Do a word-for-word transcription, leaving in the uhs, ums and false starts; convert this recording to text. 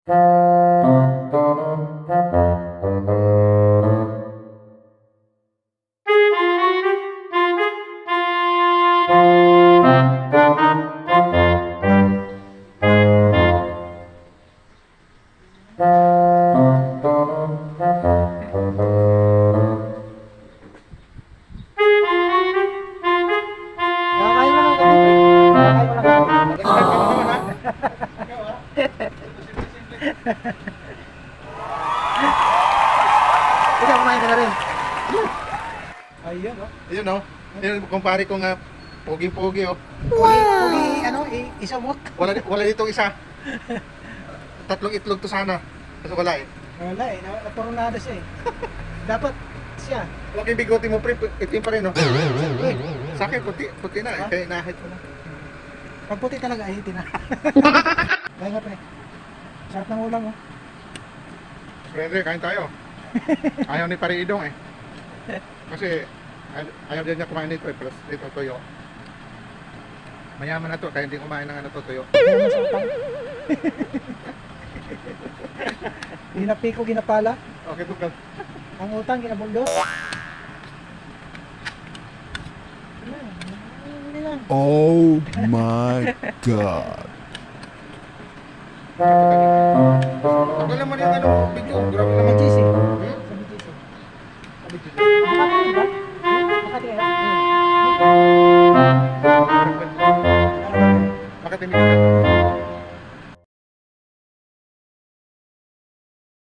Ikaw, kumain ka na rin. Ayun, oh. Yun no? Yun, kumpare ko nga, pogi-pogi oh. Wow! Ugi, ano, i- isumot. Wala, wala ditong isa. Tatlong itlog to sana. Kasi wala eh. Wala eh, na- naturonada siya eh. Dapat siya. Huwag yung bigote mo pre, itim pa rin no? Eh, Sa akin, puti, puti na eh. Kaya inahit ko na. pag puti talaga, ahitin na. Kaya nga pre. Sarap ng ulam oh. Friendly, kain tayo. Ayaw ni Pare Idong eh. Kasi ay- ayaw din niya kumain nito eh. Plus ito tuyo. Mayaman na to, kaya hindi kumain ng ano to tuyo. Kaya mo sa utang. Ginapiko, ginapala. Okay, tukal. Ang utang, ginabuldos. Hindi lang. Oh my god. Tagal naman yung ano, video. Grabe Sa naman. G C. Hmm? Sa B G C. Makati ba? Makati kayo?